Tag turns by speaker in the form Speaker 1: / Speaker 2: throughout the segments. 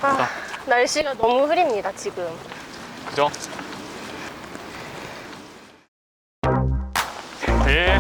Speaker 1: 아, 날씨가 너무 흐립니다, 지금.
Speaker 2: 그죠? 네.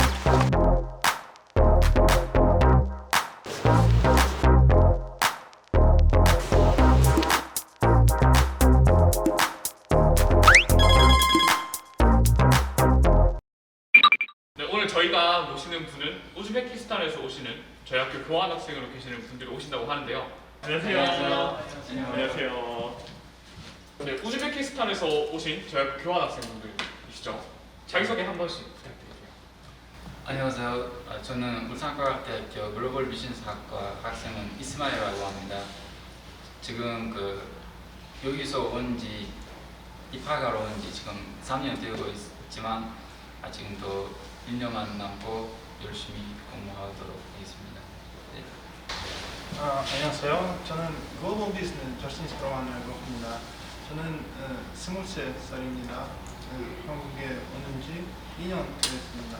Speaker 2: 네, 오늘 저희가 모시는 분은 우즈베키스탄에서 오시는 저희 학교 교환학생으로 계시는 분들이 오신다고 하는데요. 안녕하세요. 안녕하세요. 네, 우즈베키스탄에서 오신 저희 학교 교환학생분들이시죠. 자기소개 한 번씩 부탁드릴게요.
Speaker 3: 안녕하세요. 저는 울산과학대학교 글로벌 비즈니스학과 학생은 이스마일이라고 합니다. 지금 여기서 입학하러 온 지 지금 3년 되고 있지만 아직도 1년만 남고 열심히 공부하도록 하겠습니다. 네.
Speaker 4: 안녕하세요. 저는 글로벌 비즈니스 저스틴 스트로만이라고 합니다. 저는 23살입니다. 한국에 오는 지 2년 되었습니다.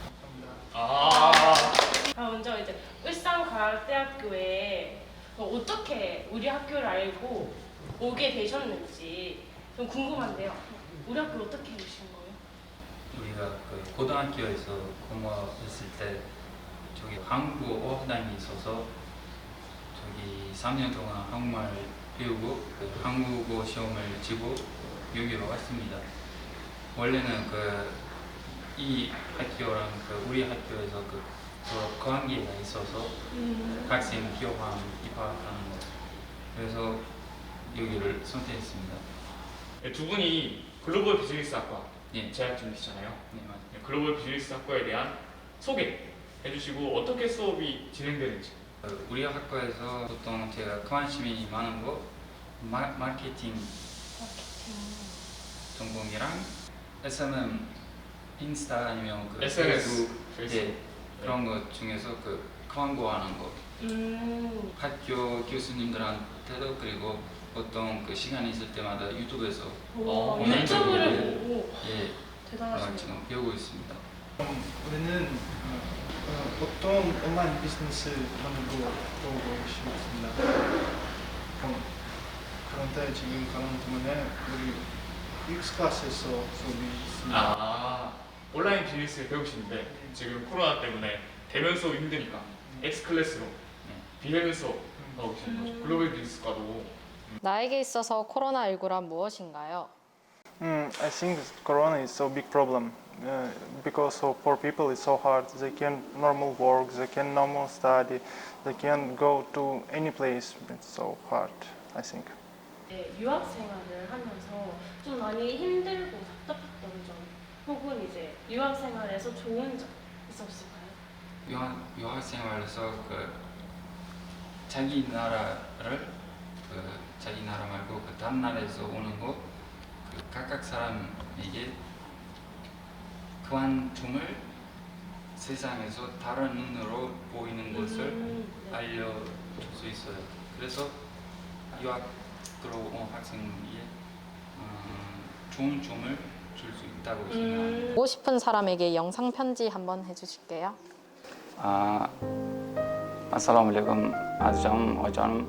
Speaker 4: 감사합니다.
Speaker 1: 먼저 이제 울산과학대학교에 어떻게 우리 학교를 알고 오게 되셨는지 좀 궁금한데요. 우리 학교 어떻게 오신 거예요?
Speaker 3: 우리가 고등학교에서 공부했을 때 저기 한국어 어학당이 있어서 저기 3년 동안 한국말 배우고 한국어 시험을 치고 여기로 왔습니다. 원래는 이 학교랑 우리 학교에서 서로 관계가 있어서 학생 교환 입학하는 거. 그래서 여기를 선택했습니다.
Speaker 2: 네, 두 분이 글로벌 비즈니스학과
Speaker 3: 네.
Speaker 2: 재학 중이시잖아요.
Speaker 3: 네, 맞아요.
Speaker 2: 네, 글로벌 비즈니스학과에 대한 소개 해주시고 어떻게 수업이 진행되는지.
Speaker 3: 우리 학과에서 보통 제가 관심이 많은 거 마케팅 전공이랑 SMM 인스타 아니면
Speaker 2: SNS,
Speaker 3: 페이스북 예, 그런 것 중에서 광고하는 거 학교 교수님들한테도 그리고 보통 시간 있을 때마다 유튜브에서
Speaker 1: 유튜브를 보고
Speaker 3: 예,
Speaker 1: 대단하시네요.
Speaker 3: 지금 배우고 있습니다.
Speaker 4: 우리는 보통 온라인 비즈니스만으로 보고 싶습니다. 그런데 지금 그런 때문에 우리 X클래스에서 수업이 있습니다.
Speaker 2: 온라인 비즈니스를 배우시는데 지금 코로나 때문에 대면 수업이 힘드니까 X클래스로 비대면 수업 하고 계시는 거죠. 글로벌 비즈니스과도.
Speaker 5: 나에게 있어서 코로나19란 무엇인가요?
Speaker 4: I think Corona is so big problem because for poor people it's so hard. They can normal work, they can normal study, they can go to any place. It's so hard, I think.
Speaker 1: 네, 유학 생활을 하면서 좀 많이 힘들고 답답했던 점, 혹은 이제 유학 생활에서 좋은 점 있었을까요?
Speaker 3: 유학 생활에서 자기 나라를 자기 나라 말고 다른 나라에서 오는 거 각각 사람에게 그한 점을 세상에서 다른 눈으로 보이는 것을
Speaker 1: 네.
Speaker 3: 알려줄 수 있어요. 그래서 유학으로 온 학생에게 좋은 점을 줄 수 있다고 생각합니다.
Speaker 5: 보고 싶은 사람에게 영상 편지 한번 해주실게요.
Speaker 3: Assalomu-alaykum azizam ojonim.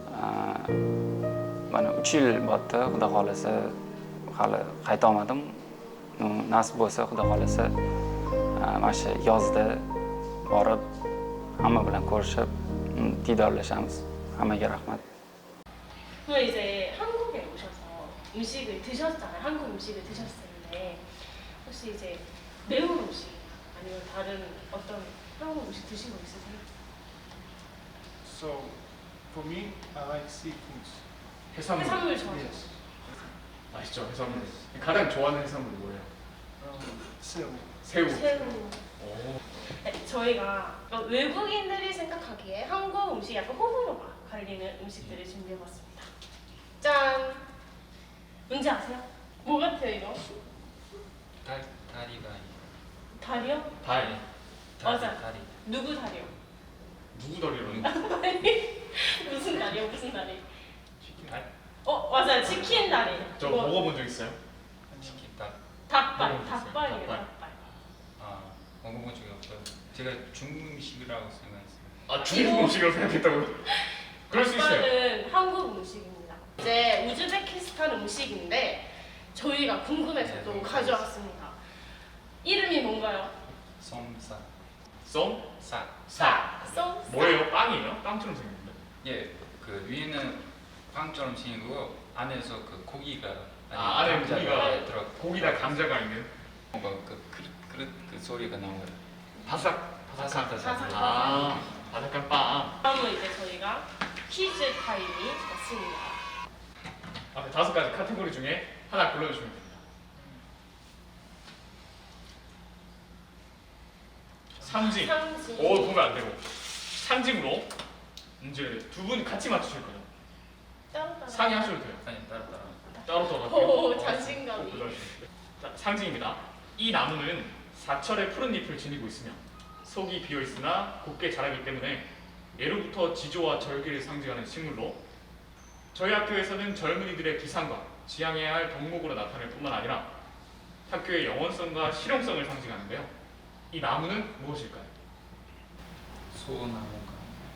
Speaker 3: Mana 3 yil bo'pti, xudo xolasa hali qayta olmadim. Nasib bo'lsa xudo xolasa mana shu yozda borib hamma bilan ko'rishib diydorlashamiz. Hammaga rahmat.
Speaker 1: 그럼 이제 한국에 오셔서 음식을 드셨잖아요. 한국 음식을 드셨는데 혹시 이제 매운 음식 아니면 다른 어떤 한국 음식 드신 거 있으세요?
Speaker 4: So for me, I like seafoods.
Speaker 2: 해산물.
Speaker 1: 해산물 좋아하세요?
Speaker 4: Yes.
Speaker 2: 맛있죠, 해산물. 가장 좋아하는 해산물이 뭐예요?
Speaker 4: 새우.
Speaker 2: 새우.
Speaker 1: 새우.
Speaker 2: 오.
Speaker 1: 네, 저희가 외국인들이 생각하기에 한국 음식이 약간 호불호가 갈리는 음식들을 준비해봤습니다. 짠! 뭔지 아세요? 뭐 같아요 이거?
Speaker 3: 다리가
Speaker 1: 다리요?
Speaker 2: 달.
Speaker 1: 맞아.
Speaker 3: 다리.
Speaker 1: 누구 다리요?
Speaker 2: 누구 다리로는?
Speaker 1: 무슨 다리요? 무슨 다리?
Speaker 2: 달?
Speaker 1: 맞아요. 치킨 다리.
Speaker 2: 저
Speaker 1: 이거
Speaker 2: 먹어본 적 있어요?
Speaker 3: 치킨 닭.
Speaker 1: 닭발.
Speaker 2: 먹어보셨어요?
Speaker 1: 닭발이에요.
Speaker 2: 닭발?
Speaker 1: 닭발.
Speaker 3: 먹어본 적이 없어요. 제가 중국 음식이라고 생각했어요.
Speaker 2: 중국 음식이라고 생각했다고요? 그럴 수 있어요.
Speaker 1: 닭발은 한국 음식입니다. 우즈베키스탄 음식인데 저희가 궁금해서 또 가져왔습니다. 이름이 뭔가요?
Speaker 6: 솜사.
Speaker 2: 쏨?
Speaker 6: 사.
Speaker 2: 사.
Speaker 1: 쏨?
Speaker 2: 뭐예요? 빵이에요? 빵처럼 생겼는데.
Speaker 6: 예, 그 위에는 빵처럼 생기고 안에서 그 고기가
Speaker 2: 안에
Speaker 6: 감자가
Speaker 2: 고기가
Speaker 6: 들어.
Speaker 2: 고기다 감자가 있는
Speaker 6: 뭔가 그 그릇 그 소리가 나와요.
Speaker 2: 바삭 바삭한
Speaker 1: 바삭.
Speaker 2: 아 바삭한 빵.
Speaker 1: 다음은 이제 저희가 퀴즈 타임이 왔습니다.
Speaker 2: 앞에 5가지 카테고리 중에 하나 골라주시면 됩니다. 상징.
Speaker 1: 상징.
Speaker 2: 오 보면 안 되고 상징으로 문제를 두 분 같이 맞추실 거예요.
Speaker 1: 따로따로.
Speaker 2: 상의하셔도 돼요.
Speaker 6: 아니 따로.
Speaker 2: 따로
Speaker 1: 오, 자신감이.
Speaker 2: 자, 상징입니다. 이 나무는 사철의 푸른 잎을 지니고 있으며 속이 비어 있으나 곱게 자라기 때문에 예로부터 지조와 절기를 상징하는 식물로 저희 학교에서는 젊은이들의 기상과 지향해야 할 덕목으로 나타낼 뿐만 아니라 학교의 영원성과 실용성을 상징하는데요. 이 나무는 무엇일까요?
Speaker 6: 소나무가.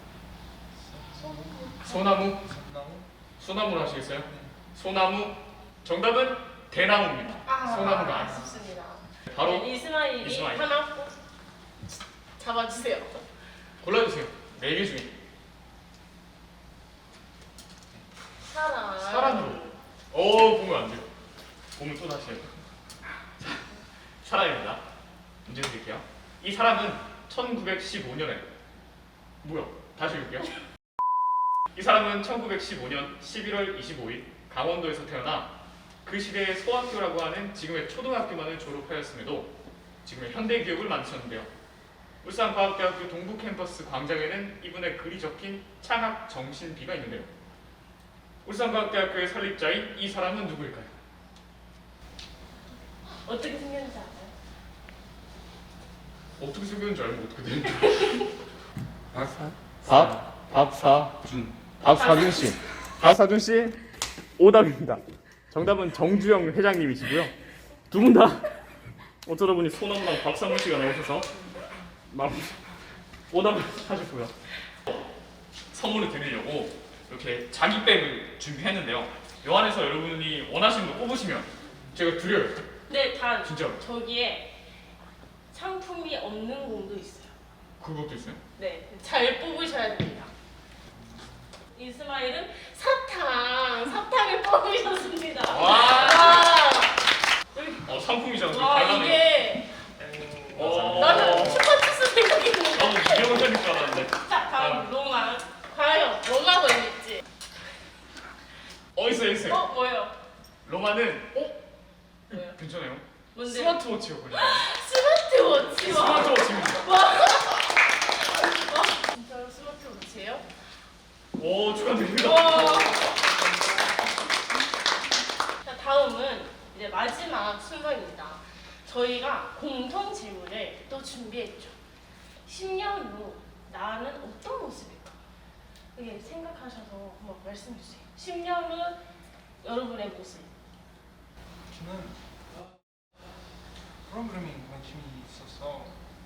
Speaker 2: 소나무?
Speaker 6: 소나무?
Speaker 2: 소나무로 하시겠어요? 소나무. 정답은 대나무입니다. 소나무가 아니에요.
Speaker 1: 아쉽습니다.
Speaker 2: 바로
Speaker 1: 네, 이스마일이
Speaker 2: 이스마일.
Speaker 1: 하나 꼭 잡아주세요.
Speaker 2: 골라주세요. 4개 중에
Speaker 1: 사람.
Speaker 2: 사람으로. 오 보면 안 돼요. 보면 또 다시 해요. 사람입니다. 문제 드릴게요. 이 사람은 1915년에 뭐야? 다시 읽을게요. 이 사람은 1915년 11월 25일 강원도에서 태어나 그 시대의 소학교라고 하는 지금의 초등학교만을 졸업하였음에도 지금의 현대기업을 만드셨는데요. 울산과학대학교 동부 캠퍼스 광장에는 이분의 글이 적힌 창학 정신비가 있는데요. 울산과학대학교의 설립자인 이 사람은 누구일까요?
Speaker 1: 어떻게 생겼는지 알아요?
Speaker 2: 어떻게 생겼는지 알면 어떻게 되는지.
Speaker 6: 박.
Speaker 2: 박사준. 박사준 씨. 박사준 씨 오답입니다. 정답은 정주영 회장님이시고요. 두 분 다 어쩌다 보니 소나무랑 박상문 씨가 나오셔서 오답을 하셨고요. 선물을 드리려고 이렇게 자기백을 준비했는데요. 요 안에서 여러분이 원하시는 거 뽑으시면 제가 드려요.
Speaker 1: 네, 단
Speaker 2: 진짜로.
Speaker 1: 저기에 상품이 없는 공도 있어요.
Speaker 2: 그것도 있어요?
Speaker 1: 네, 잘 뽑으셔야 됩니다. 이스마일은 사탕을 뽑으셨습니다.
Speaker 2: 와.
Speaker 1: 여기,
Speaker 2: 상품이잖아.
Speaker 1: 와
Speaker 2: 달라네.
Speaker 1: 이게 나는 슈퍼주스 생각했는데.
Speaker 2: 나도 이경을 해줄 줄 알았는데.
Speaker 1: 자, 다음 로마. 과연 뭐가 걸릴지.
Speaker 2: 있어요.
Speaker 1: 뭐예요?
Speaker 2: 로마는
Speaker 1: 뭐예요?
Speaker 2: 괜찮아요.
Speaker 1: 뭔데?
Speaker 2: 스마트워치요. 그냥.
Speaker 1: 스마트워치와.
Speaker 2: 스마트워치입니다.
Speaker 1: 와, 진짜로 스마트워치예요?
Speaker 2: 오 축하드립니다.
Speaker 1: 와. 자, 다음은 이제 마지막 순서입니다. 저희가 공통 질문을 또 준비했죠. 10년 후 나는 어떤 모습일까? 이게 생각하셔서 한번 말씀해 주세요. 10년 후 여러분의 모습.
Speaker 4: 저는 프로그래밍 관심이 있어서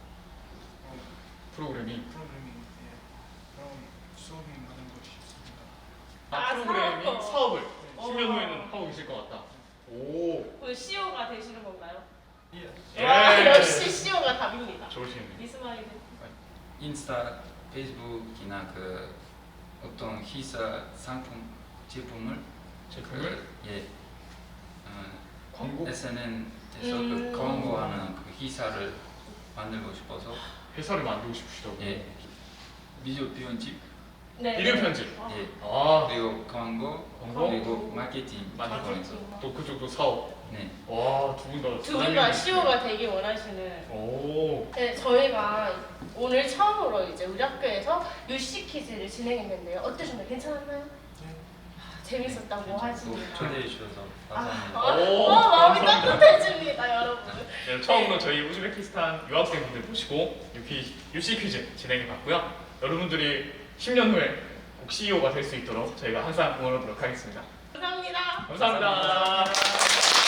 Speaker 2: 프로그래밍.
Speaker 4: 프로그래밍 그런 수업이 많은 거 싶습니다.
Speaker 2: 프로그래밍 사업을
Speaker 1: 어.
Speaker 2: 10년 후에는 하고 계실 것 같다. 오.
Speaker 1: 오늘 CEO가 되시는 건가요?
Speaker 4: 예.
Speaker 1: 와, 역시 CEO가 답입니다.
Speaker 2: 좋으시네요.
Speaker 1: 이스마일.
Speaker 6: 인스타, 페이스북이나 그 어떤 회사 상품 제품을 예
Speaker 2: 광고?
Speaker 6: SNS에서 그 광고하는 그 회사를 만들고 싶어서
Speaker 2: 회사를 만들고 싶으시다고.
Speaker 6: 예 비디오 편집
Speaker 1: 네.
Speaker 2: 비디오 편집.
Speaker 6: 예
Speaker 2: 아.
Speaker 6: 그리고 광고
Speaker 2: 광고?
Speaker 6: 그리고 마케팅
Speaker 2: 마케팅.
Speaker 6: 부분에서
Speaker 2: 또 그쪽도 사업.
Speaker 6: 네
Speaker 2: 와, 두 분 다.
Speaker 1: 두 분 다 CEO가 되기 원하시는.
Speaker 2: 오.
Speaker 1: 네, 저희가 오늘 처음으로 이제 우리 학교에서 UC 퀴즈를 진행했는데요. 어떠셨나요? 괜찮았나요? 재밌었다고 하십니다.
Speaker 6: 초대해 주셔서 감사합니다.
Speaker 2: 오,
Speaker 1: 마음이
Speaker 2: 감사합니다.
Speaker 1: 따뜻해집니다, 여러분.
Speaker 2: 네, 처음으로 저희 우즈베키스탄 유학생분들 모시고 UC 퀴즈 진행해 봤고요. 여러분들이 10년 후에 꼭 CEO가 될 수 있도록 저희가 항상 응원하도록 하겠습니다.
Speaker 1: 감사합니다.
Speaker 2: 감사합니다.